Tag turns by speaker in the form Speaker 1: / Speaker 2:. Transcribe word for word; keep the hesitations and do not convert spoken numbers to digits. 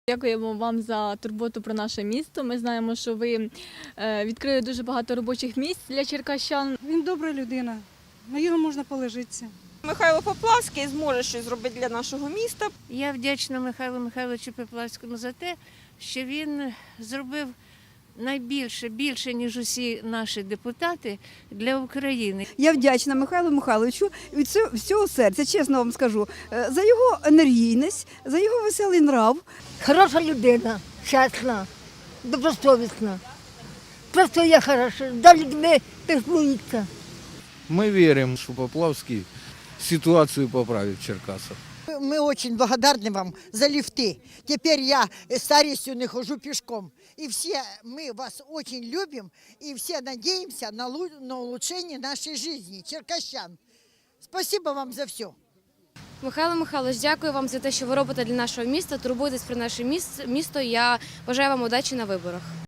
Speaker 1: Дякуємо вам за турботу про наше місто. Ми знаємо, що ви відкрили дуже багато робочих місць для черкащан.
Speaker 2: Він добра людина, на його можна положитися.
Speaker 3: Михайло Поплавський зможе щось зробити для нашого міста.
Speaker 4: Я вдячна Михайлу Михайловичу Поплавському за те, що він зробив найбільше, більше, ніж усі наші депутати для України.
Speaker 5: Я вдячна Михайлу Михайловичу від всього серця, чесно вам скажу, за його енергійність, за його веселий нрав.
Speaker 6: Хороша людина, чесна, добросовісна. Просто я хороша, за людьми піклується.
Speaker 7: Мы верим, что Поплавский ситуацию поправит в Черкасах.
Speaker 8: Мы очень благодарны вам за лифты. Теперь я старостью не хожу пешком. И все мы вас очень любим и все надеемся на, на улучшение нашей жизни, черкащан. Спасибо вам за все.
Speaker 9: Михайло Михайлович, дякую вам за те, що ви робите для нашого міста, турбуєтесь про наше місто. Я бажаю вам удачі на виборах.